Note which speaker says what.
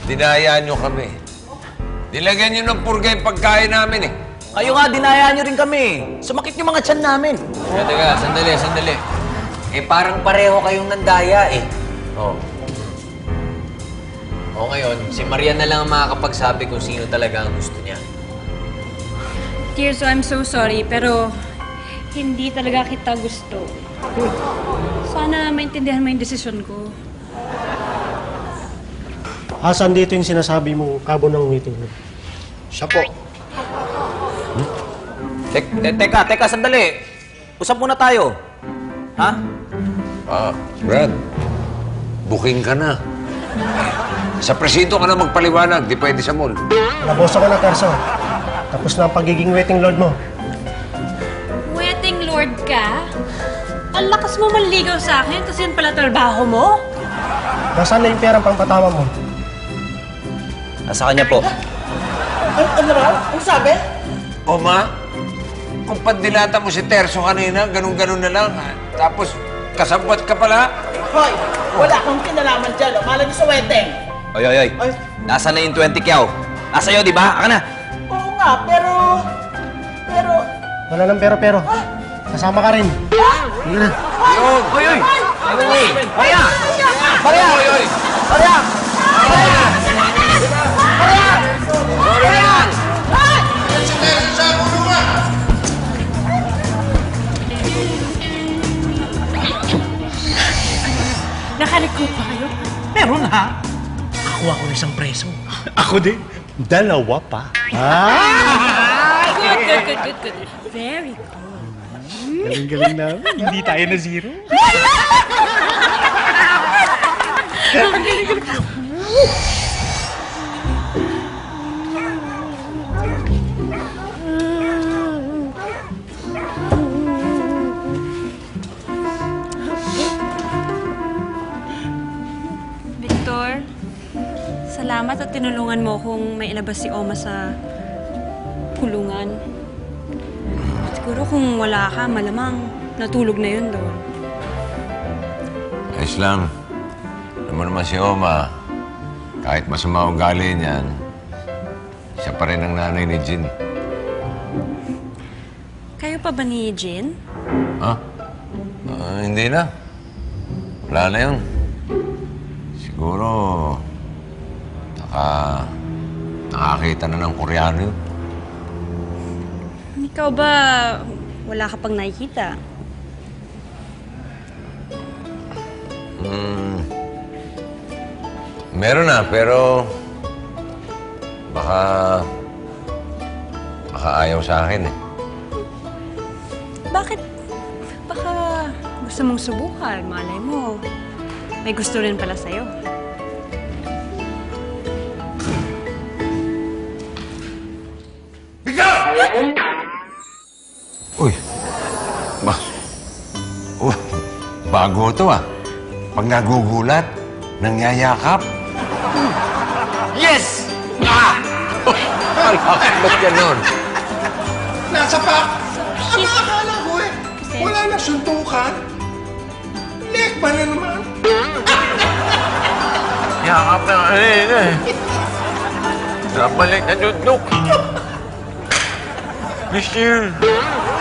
Speaker 1: dinaya nyo kami. Nilagyan nyo ng purga yung pagkain namin eh.
Speaker 2: Kayo nga, dinayaan nyo rin kami. Sumakit yung mga tiyan namin.
Speaker 3: Teka, sandali.
Speaker 2: Eh, parang pareho kayong nandaya eh.
Speaker 3: Oh. O ngayon, si Marian na lang ang makakapagsabi kung sino talaga ang gusto niya.
Speaker 4: Tirso, I'm so sorry, pero hindi talaga kita gusto. Sana maintindihan mo yung desisyon ko.
Speaker 5: Asan dito yung sinasabi mo kabo ng meeting?
Speaker 6: Siya po.
Speaker 2: Teka, sandali. Usap muna tayo. Ha?
Speaker 1: Brad, booking ka na. Sa presinto ka na magpaliwanag, di pwede sa mall.
Speaker 5: Nabosa ko na, Terso. Tapos na ang pagiging waiting lord mo.
Speaker 4: Wedding lord ka? Ang lakas mo manligaw sa akin, tapos yun pala trabaho mo?
Speaker 5: Nasaan na yung perang pangpatawa mo?
Speaker 2: Nasa kanya po.
Speaker 7: Ano raw? Ang sabi?
Speaker 1: O ma, kung pandilata mo si Terso kanina, ganun-ganun na lang. Tapos, kasabwat ka pala.
Speaker 7: Hoy, wala akong kinalaman dyan. Malay niyo sa wedding.
Speaker 2: Oy. Nasaan na yung 20 kyaw? Nasa iyo, di ba? Aka na.
Speaker 7: Oo nga, pero...
Speaker 5: Wala nang pero. Kasama ka rin. Hindi na.
Speaker 1: Yun!
Speaker 2: Oy! Maria!
Speaker 4: Nakalikot pa kayo?
Speaker 5: Meron ha? Nakuha ko ng isang preso. Ako din. Dalawa pa.
Speaker 4: Good. Very good.
Speaker 5: Galing namin. Hindi tayo na zero.
Speaker 4: Victor, salamat at tinulungan mo kung may ilabas si Oma sa kulungan. Siguro kung wala ka, malamang natulog na yun doon.
Speaker 1: Ayos lang. Alam mo naman si Oma, kahit masama ugali niyan, siya pa rin ang nanay ni Jean.
Speaker 4: Kayo pa ba ni Jean?
Speaker 1: Ha? Hindi na. Wala na yun. Siguro, nakakita na ng Koreano yun.
Speaker 4: Ikaw ba wala ka pang nakikita?
Speaker 1: Meron na, pero baka ayaw sa akin eh.
Speaker 4: Bakit? Baka gusto mong subukan, malay mo. May gusto rin pala sa'yo.
Speaker 1: Uy! Bago to ah. Pag nagugulat, nangyayakap.
Speaker 3: Yes!
Speaker 1: Ba't ganun?
Speaker 6: Nasa pa! Ang akala ko eh. Wala na suntukan. Lekba na naman.
Speaker 1: Yakap na kanina eh. Nabalik na dudok. Miss you.